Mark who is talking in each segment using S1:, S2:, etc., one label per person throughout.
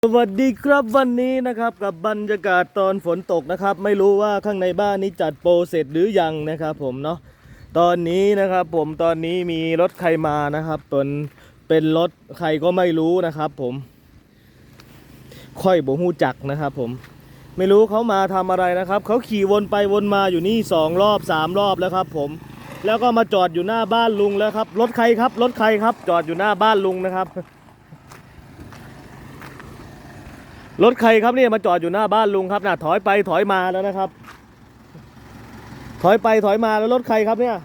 S1: สวัสดีครับวันนี้นะครับกับบรรยากาศตอนฝนตกนะครับไม่รู้ว่าข้างในบ้านนี้จัดโปรเสร็จหรือยังนะครับผมเนาะตอนนี้นะครับผมตอนนี้มีรถใครมานะครับเป็นรถใครก็ไม่รู้นะครับผมค่อยบ่ฮู้จักนะครับผมไม่รู้เขามาทำอะไรนะครับเขาขี่วนไปวนมาอยู่นี่2 รอบ 3 รอบแล้วครับผมแล้วก็มาจอดอยู่หน้าบ้านลุงแล้วครับรถใครครับรถใครครับจอดอยู่หน้าบ้านลุงนะครับรถใครครับเนี่ยมาจอดอยู่หน้าบ้านลุงครับน่ะถอยไปถอยมาแล้วนะครับถอยไปถอยมาแล้วรถใครครับเนี่ย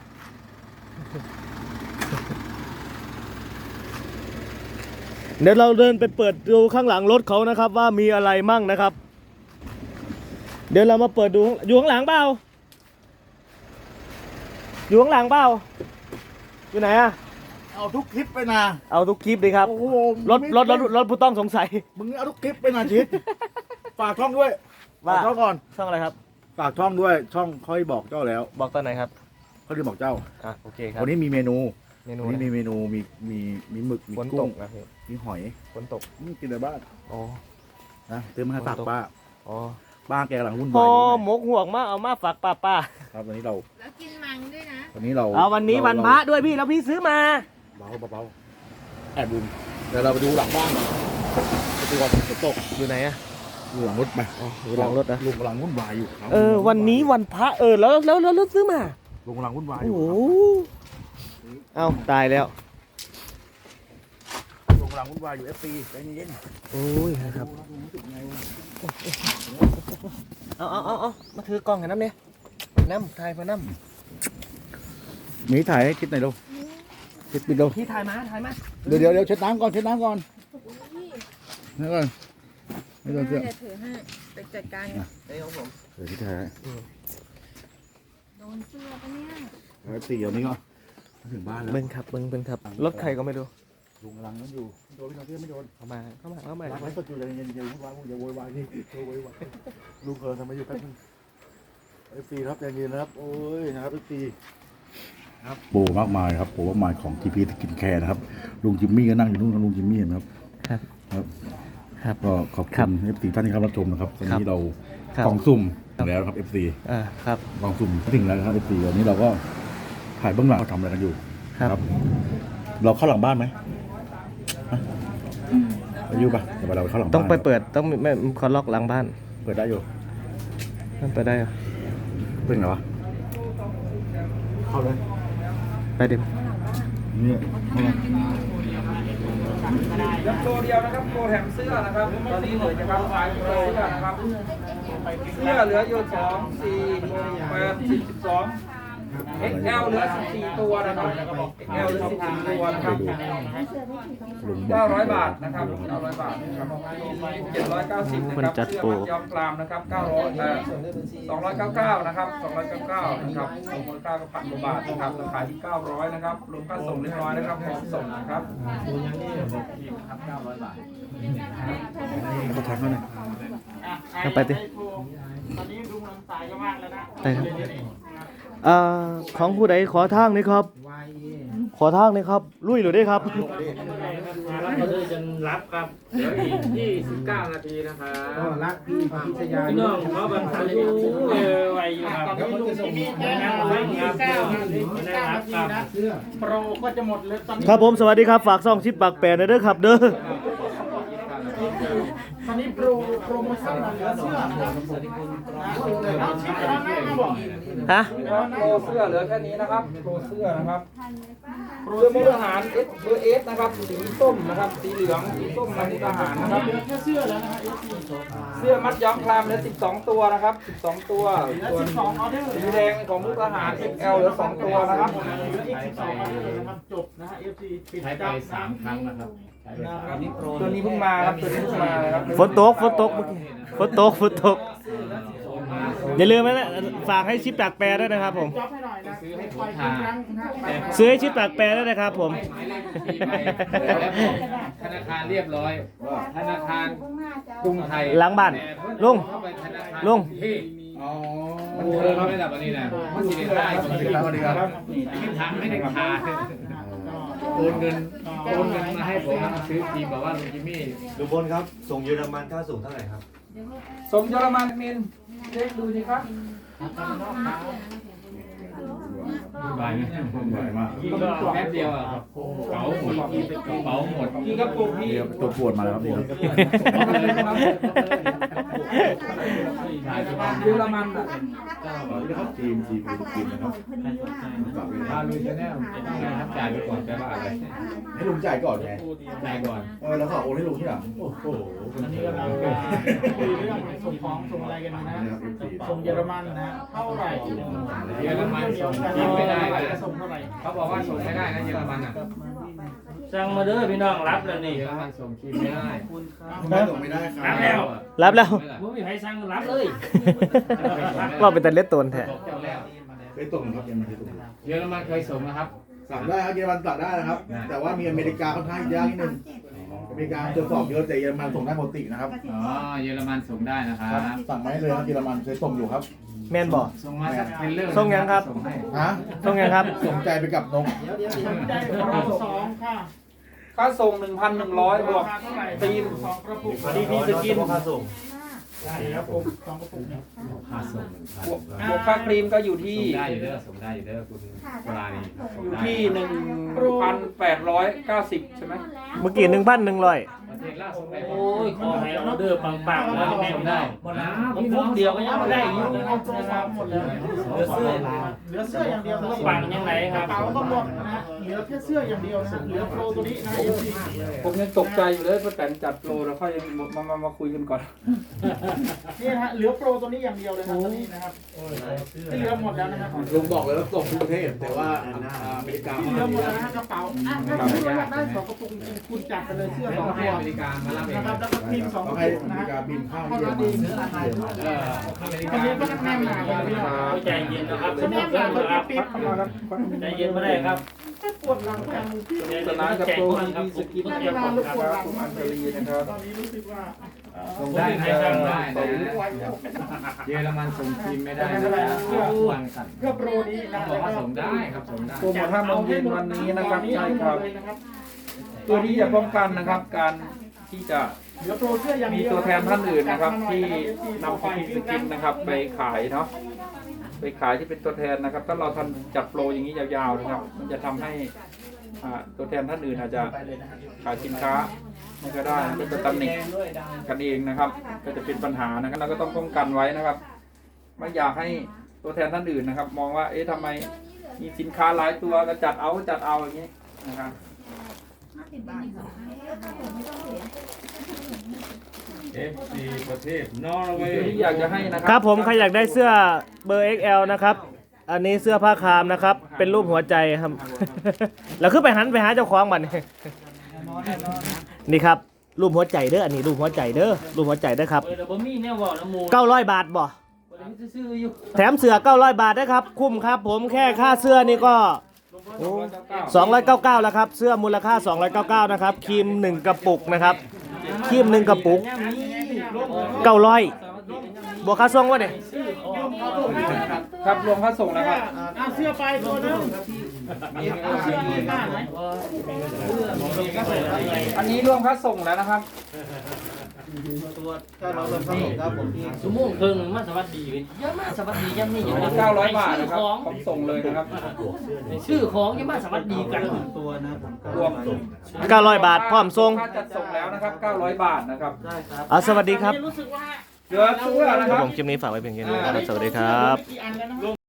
S1: เดี๋ยวเราเดินไปเปิดดูข้างหลังรถเขานะครับว่ามีอะไรมั่งนะครับเดี๋ยวเรามาเปิดดูอยู่ข้างหลังเปล่าอยู่ข้างหลังเปล่าอยู่ไหนอะ
S2: เอาทุกคลิปไปนะ
S1: เอาทุกคลิปดิครับรถผู้ต้องสงสัย
S2: มึงเอาทุกคลิปไปนะชิดฝากช่องด้วยฝากช่องก่อน
S1: ช่องอะไรครับ
S2: ฝากช่องด้วยช่องค่อยบอกเจ้าแล้ว
S1: บอกตอนไหนครับ
S2: เขาจะบอกเจ้า
S1: โอเคครับ
S2: วันนี้มีเมนู
S1: วันนี้
S2: มีเมนูมีหมึกมีกุ้งมีหอย
S1: ฝนตก
S2: นี่กินในบ้าน
S1: อ๋อ
S2: นะเติมมาฝากป้า
S1: อ๋อ
S2: ป้าแกกำลังวุ่น
S1: วาย
S2: อยู่
S1: หมกห่วงมาเอามาฝากป้า
S2: ครับวันนี้เรา
S3: แล้วกินมังด้วยนะ
S2: วันนี้เรา
S1: วันนี้วันพระด้วยพี่แล้วพี่ซื้อมา
S2: เบาแอบดูเดี๋ยวเราไปดูหลังบ้านไปดูก่อนฝนตก
S1: อยู่ไหนอะ
S2: ดูหลังรถไป
S1: ดูหลังรถนะ
S2: ลุงกำลังวุ่นวายอยู่
S1: วันนี้วันพระแล้วซื้อมา
S2: ลุงกำลังวุ่นวายอยู่
S1: โอ้เอาตายแล้ว
S2: ลุงกำลังวุ่นวายอยู่FCใจเย็น
S1: โอ้ยครับเอามาถือกล้องให้น้ำเนี่ยน้ำถ่ายมาน้
S2: ำมีถ่ายให้คิดหน่อยดูคิดปิดดู
S1: พี่ถ่ายมา
S2: เดี๋ยวเช็ดน้ำก่อนนี่ก่อนนี่โดนเสื้อ
S3: ถือให้ไปจัดการ
S1: ไอ้ของผม
S2: เดี๋ยวที่ถ่าย
S3: โดนเสื้อปะเนี่ย
S2: แล้วตีเดี๋ยวนี้ก็ถึงบ้านแล้ว
S1: เบิ้งครับรถใครก็ไม่รู้
S2: ลุงกำลังนั่นอยู่โดนพี่ไม่โดน
S1: เข้ามา
S2: รักไว้ก็อยู่เย็นอย่าโวยวายนี่ลุงเกินทำไมอยู่แป๊บนึงFCครับใจเย็นนะครับโอ้ยนะครับFCครับโปรมากมายครับโปรมากมายของ TP กินแคร์นะครับลุงจิมมี่ก็นั่งอยู่นู่นกับลุงจิมมี่นะครับก็ขอบคุณ FC ท่านที่เข้ารับชมนะครับวันนี้เรากล่องซุ่มแล้วครับ FC
S1: ครับ
S2: กล่องซุ่มถึงแล้วครับ FC วันนี้เราก็ถ่ายเบื้องหลังเขาทำอะไรกันอยู่ครับเราเข้าหลังบ้านไหมไปอยู่ปะเดี๋ยวเราไปเข้าหลังบ้าน
S1: ต้องไปเปิดต้องไม่เขาล็อกหลังบ้าน
S2: เปิดได้อยู่
S1: มันเปิดได้เหรอ
S2: เป็นไงวะเข้าเลย
S1: ไปดิ
S2: นี่
S4: ยังโปรเดียวนะครับโปรแถมเสื้อนะครับตอนนี้เหลือจะรับขายโปรเสื้อนะครับเสื้อเหลืออยู่2 4 8 12 XL เหลือ14ตัวนะครับ XL เหลือ14ตัวนะครับ900 บาทนะครับ900 บาทนะครับ790นะครับเสื้อมัดย้อมกรามนะครับ299นะครับ299นะครับมูลค่าก็1,000 กว่าบาทนะครับราคาที่900นะครับรวมค่าส่งเรียบร้อยนะครับพร้อมส่งนะครับ900 บาท
S2: เขาทักเขาหน่อย
S1: ไปดิ
S4: ตอนนี้ลุงลำสายก็มากแล้วนะ
S1: ไปครับของผู้ใดขอทางนี่ครับขอทางนี่ครับลุยหรือได้ครับ
S4: เราจะรับครับเดี๋ยวอีก29 นาทีนะครับ
S2: รักพี่พิชยา
S4: พี่น้องเขาบันทึกไว้อยู่ครับตอนนี้ลุงจะมีครับโปรก็จะหมดเลย
S1: ครับผมสวัสดีครับฝากซ่องชิปปากแปรนะเด้อครับเด้อ
S4: ตอนนี้โปรโมชั่นเหลือเสื้อเอาชิปไปแล้วนะบอกโปรเสื้อเหลือแค่นี้นะครับโปรเสื้อนะครับเสื้อมุกทหารเบอร์เอสนะครับสีส้มนะครับสีเหลืองสีส้มมุกทหารนะครับเหลือแค่เสื้อแล้วนะเสื้อมัดย้อมคลามเหลือ12 ตัวนะครับ12 ตัวส่วนสีแดงของมุกทหาร XL เหลือ2 ตัวนะครับ12 ออเดอร์นะครับจบนะฮะ FC ปิดใช้ไป3 ครั้งนะครับตัวนี้เพิ่งมาครับตัวนี้เพิ่งมาครับ
S1: ฝนตกเมื่อกี้ฝนตกอย่าลืมนะฝากให้ชิปปากแปรด้วยนะครับผมซื้อให้ชิปปากแปรด้วยนะครับผม
S4: ธนาคารเรียบร้อยธนาคารกรุงไทย
S1: หลังบ้านลุง
S4: มันเธอเขาไม่ดับอันนี้นะมันสิได้ได้สวัสดีครับไม่ได้คาโอนเงิน
S5: โอนเงินมาให้ผมมาซื้อครีมบอกว่าลุงจิมมี่
S1: ลุงพลครับส่งเยอรมันค่าส่งเท่าไหร่ครับ
S4: ส่งเยอรมันมินเช็คดูสิครับ
S5: วุ่นวายไหม
S2: วุ่นวายมาก
S5: กินก็แป๊บเดียวอ่ะครับเป๋าหมดกระเป๋าหมด
S4: กี่กระปุกพี่
S2: เดี๋ยวตัวปวดมาแล้วครับนี่ครับ
S4: เยอรมันอ่ะ
S2: ทีมนะครับ
S5: พาลุยชาแนลครับจ่ายไปก่อนแปลว่าอะไร
S2: ให้ลุงจ่ายก่อนไง
S5: จ่ายก่อน
S2: แล้วก็โอนให้ลุงที่หลัง
S5: โอ้โห
S6: อันนี้กำลังคุยเรื่องส่งของส่งอะไรกันนะส่งเยอรมันนะเท่าไหร่
S5: เยอรมันส่งครีมไม่ได้นะ
S6: ส่งเท่าไหร่
S5: เขาบอกว่าส่งไม่ได้นะเยอรมันอ่ะ
S7: สั่งมาเด้อพี่น้องรับแล้วนี่
S5: เยอรมันส่งครีมไม่ได้
S2: ส่งไม่ได้ครั
S7: รับแล้ว
S1: รับแล้ว
S7: บ่มีใครสั่งรับเลย
S1: ว่าเป็นแต่เล็ดตนแท้
S5: บอกเจ้าแล้ว
S2: เคยส่งครับยังไม่เคยส่ง
S5: เยอรมันเคยส่งนะครับ
S2: สั่งได้ครับเยอรมันสั่งได้นะครับ แต่ว่ามีอเมริกาค่อนข้างยากนิดนึงอเมริกาตรวจสอบเยอะแต่เยอรมันส่งได้ปกตินะครับ
S5: อ๋อเยอรมันส่งได้นะครับ
S2: สั่งมาให้เลยครับเยอรมันเคยส่งอยู่ครับ
S1: แม่นบ่
S5: ส่งมาสักเทรลเลอร์
S1: ส่งยังครับ
S5: ส่งให้
S2: ฮะ
S1: ส่งยังครับ
S2: ส่งใจไปกับนก
S6: ได้เราสองค่ะ
S4: ค่าส่ง 1,100 บวก
S6: เท่าไหร่
S4: ตีน
S6: สองกระปุก
S1: ดีพีสกินค่าส่ง
S6: ใช่ครับผมสองกระปุกเนี่ย
S5: ค่าส่ง
S4: บวกค่าครีมก็อยู่ที่
S5: ส่งได้อยู่เด้อส่งได้อยู่เด้อคุณปลานี่ส่ง
S4: อยู่
S5: ได้
S4: ที่ 1,890 ใใช่ไหม
S1: เมื่อกี้1,100
S5: ประเทศล่าส่งได้
S7: โอ้ยขอให้ออเดอร์ปังๆแล้วแม่
S5: ส่ง
S7: ได้
S5: ได้
S7: ผมฟุกเดียวก็ยังไม่ได้อยู่นะครับ
S6: หมดแล้ว
S7: เหลือเสื้อ
S6: เหลือเสื้ออย่างเดียวนะ
S7: ปังยังไงค
S6: ก
S7: รั
S6: ระ
S7: บ
S6: เป๋าก็หมดนะเหลือแค่เสื้ออย่างเดียวนะเหลือโปรตัวนี้นะเอฟซี
S4: ผมยังตกใจอยู่เลยว่าแต่จัดโปรแล้วค่อยมาคุยกันก่อน
S6: นี่นะฮะเหลือโปรตัวนี้อย่างเดียวเลยนะตอนนี้นะครับที่เหลือหมดแล้วนะครับ
S2: ลุงบอกเลยว่าส่งทุกประเทศ แต่ว่าอเมริกา
S6: ที่เหลือหมดแล้วนะฮะกระเป๋าถ้าคุณอยากได้สองกระปุกจริงๆคุณจัดไปเลยเสื้อ
S5: ไม่
S6: สอ
S5: ต้อง งให้
S6: ตัว
S5: อเมริกามารับเอง
S6: นะครับแล้วก็พิมพ์สองก
S2: ต้อ
S6: ระ
S2: งให้
S6: ปุก
S2: อเม
S6: นะ
S2: ริกา
S6: ฮะ
S2: บินเข้า
S6: เท่า
S2: เยอร
S6: นั้นเอ
S2: มัน
S6: ง
S5: อเมริ
S6: อั
S5: กาน
S6: นี้ก็ต้องแนมหนาเลยพี่
S7: เอาใจเย็นนะครับ
S6: จะแนมหนาเขาจะปิดเข้ามาแล้ว
S7: ใจเย็นไม่ได้ครับ
S6: ปวดหลังจังที่
S4: สนานกับโปร
S7: ค
S4: ที
S7: รับ
S4: วีสกิน
S7: ผม
S4: นะ
S7: เตรียม
S4: ค
S7: ก่
S4: รั
S7: อน
S4: บ
S7: ครับ
S4: คุณอัญชลีนะครับ
S6: ตอนนี้รู้สึกว่า
S5: ส่งได้นะส่งได้นะเยอรมันส่งครีมไม่ได้นะวางสั่น
S6: เพื่อโปรนี้นะ
S5: บอกว่าส่งได้ครับส่งได้
S4: โปรโมท5 โมงเย็นวันนี้นะครับใช่ครับ
S6: นะครับ
S4: ตัวที่จะป้องกันนะครับ การที่จะ
S6: เหลือโปรเสื้ออย่าง
S4: มี
S6: เดียว
S4: ตัวแทนท่านอื่นนะครับ ที่นำสกินนะครับ ไปขายเนาะไปขายที่เป็นตัวแทนนะครับ ถ้าเราทำจัดโปรอย่างนี้ยาวๆนะครับ มันจะทำให้ตัวแทนท่านอื่นอาจจะขายสินค้าไม่ก็ได้ก็จะตำหนิกันเองนะครับ ก็จะเป็นปัญหานะครับเราก็ต้องป้องกันไว้นะครับ ไม่อยากให้ตัวแทนท่านอื่นนะครับ มองว่าเอ๊ะทำไมมีสินค้าหลายตัวก็จัดเอาอย่างนี้นะครับ
S5: FC ประเทศนอร์เว
S4: ตัว
S5: ย์
S4: ที่อยากจะให้นะครั
S1: ครับผมใครอยากได้เสื้อเบอร์ XL นะครับ อันนี้เสื้อผ้าคามนะครับ เป็นรูปหัวใจครับ แล้วขึ้นไปหันไปหาเจ้าของบัดนี้นี่ครับ รูปหัวใจเด้อ อันนี้รูปหัวใจเด้อ รูปหัวใจเด้อครับ
S7: เออเดี๋ยวบ่มีแนวเว้าน้ำมู
S1: 900 บาทบ่
S7: บ่ได้มีซื่อๆอยู่
S1: แถมเสื้อ900 บาทนะครับ คุ้มครับผมแค่ค่าเสื้อนี่ก็โอ้299แล้วครับ เสื้อมูลค่า299นะครับ ครีม1 กระปุกนะครับ ครีม1 กระปุก 900บวกค่าส่งวะเนี่ย
S4: ครับรวมค่าส่งนะครับ
S6: เอาเสื้อไปตัวนึงเอาเสื้อยืนหน้าไหน
S4: อันนี้รวมค่าส่งแล้วนะครับ
S7: ชั่วโมงครึ่งมาสวัสดีกันเยอะมากสวัสดียังนี่อยู่
S4: 900 บาทนะครับ
S7: ของ
S4: ผมส่งเลยนะครับ
S7: ชื่อของยังมาสวัสดีกัน
S4: รวม
S1: 900 บาทพร้อมส่ง
S4: ค่าจัดส่งแล้วนะครับ 900 บาทนะครับ
S1: เอาสวัสดีครับ
S6: รู้สึกว่า
S4: เหลือเสื้อนะ
S1: ค
S4: ค
S1: รั
S4: รั
S1: บบ ผมคลิปนี้ฝากไว้เพียงแค่นี้นะครับ สวัสดีครับ
S6: กี่อันแล้วนะ